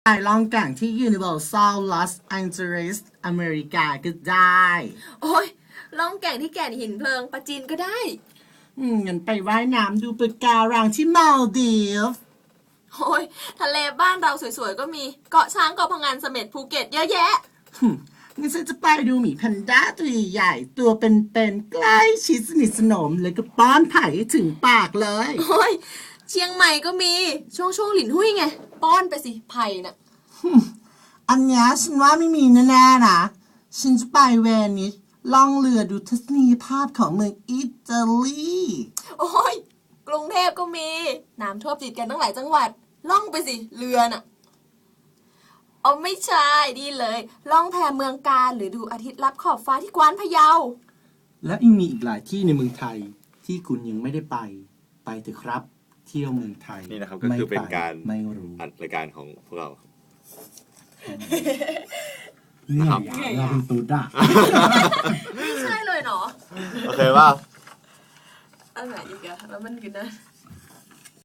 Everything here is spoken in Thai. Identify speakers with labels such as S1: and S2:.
S1: ไปลองแก่งที่ Universal Los Angeles อเมริกาก็ได้
S2: โอ้ยล่องแก่งที่แก่นหินเพลิงปะจีนก็ได้
S1: งั้นไปว่ายน้ำดูปะการังที่มาลดีฟ
S2: โอ้ยทะเลบ้านเราสวยๆก็มีเกาะช้างเกาะพะงันเสม็ดภูเก็ตเยอะแยะ
S1: งั้นฉันจะไปดูหมีแพนด้าตัวใหญ่ๆตัวเป็นๆใกล้ชิดสนิทสนมแล้วก็ป้อนไผ่ให้ถึงปากเลย
S2: โอ้ยเชียงใหม่ก็มีช่วงหลินหุ้ยไงป้อนไปสิไผ่น่ะ
S1: อันเนี้ยฉันว่าไม่มีแน่ๆนะฉันจะไปเวนิสล่องเรือดูทัศนียภาพของเมืองอิตาลี
S2: โอ้ยกรุงเทพก็มีน้ำท่วมติดกันตั้งหลายจังหวัดล่องไปสิเรือน่ะเอาไม่ใช่ดีเลยล่องแพเมืองกาญหรือดูอาทิตย์ลับขอบฟ้าที่กวานพะเยา
S1: และยังมีอีกหลายที่ในเมืองไทยที่คุณยังไม่ได้ไปเถอะครับ เที่ยวเมืองไทย
S3: นี่นะครับก็คือเป็นการ
S1: ไม่รู้
S3: อัดรายการของพวกเรา
S1: เหนื่อยอะเราเป็นตุ๊ดอะ
S2: ไม่ใช่เลยเนาะ
S3: โอเคว่า
S2: อันไหนอีกอะแล้วมันอยู่นะ